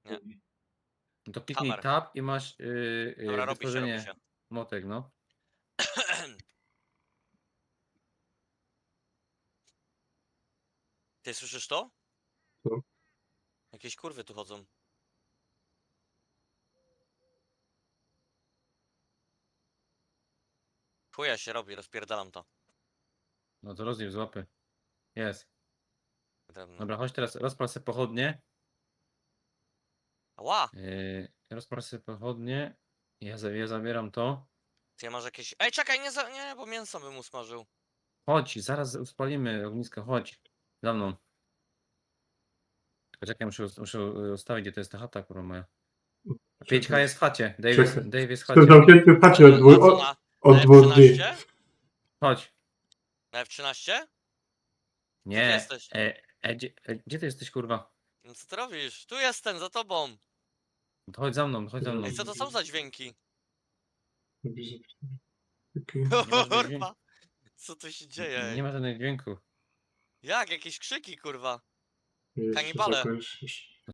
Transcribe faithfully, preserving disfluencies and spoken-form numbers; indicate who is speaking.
Speaker 1: Nie.
Speaker 2: No to kliknij
Speaker 1: Hammer.
Speaker 2: tab i masz yy, yy,
Speaker 1: Dobra, robi się, robi
Speaker 2: wytworzenie
Speaker 1: się.
Speaker 2: motek, no.
Speaker 1: Ty słyszysz to?
Speaker 3: Co?
Speaker 1: Jakieś kurwy tu chodzą. Chuja się robi, rozpierdalam to.
Speaker 2: No to rozdziel z łapy. Jest.
Speaker 1: Drewno.
Speaker 2: Dobra, chodź teraz, rozpal sobie pochodnie.
Speaker 1: Ała!
Speaker 2: Yy, rozpal sobie pochodnie. Ja, za- ja zabieram to.
Speaker 1: Ty masz jakieś... Ej, czekaj, nie, za... nie, bo mięso bym usmażył.
Speaker 2: Chodź, zaraz uspalimy ognisko, chodź. Za mną. Tylko czekaj, muszę, muszę ustawić, gdzie to jest ta chata, kurwa moja. pięć K jest w chacie. Dave jest,
Speaker 3: Czekaj.
Speaker 2: Dave jest w
Speaker 3: Jestem
Speaker 2: chacie.
Speaker 3: zamknięty w chacie od
Speaker 1: Na
Speaker 3: dwóch,
Speaker 1: co,
Speaker 3: od,
Speaker 1: na,
Speaker 3: od
Speaker 1: na
Speaker 3: dwóch dni.
Speaker 1: F trzynaście?
Speaker 2: Chodź.
Speaker 1: Na F trzynaście?
Speaker 2: Nie.
Speaker 1: jesteś?
Speaker 2: E, e, gdzie, e, gdzie ty jesteś, kurwa?
Speaker 1: No co ty robisz? Tu jestem, za tobą.
Speaker 2: No to chodź za mną, chodź za mną.
Speaker 1: Ej, co to są za dźwięki?
Speaker 3: Okej.
Speaker 2: Nie ma żadnych dźwięków.
Speaker 1: Kurwa! Co tu się dzieje?
Speaker 2: Nie
Speaker 1: Ej?
Speaker 2: ma żadnych dźwięków.
Speaker 1: Jak? Jakieś krzyki, kurwa.
Speaker 3: Jeszcze
Speaker 1: Kanibale.
Speaker 3: zakończysz.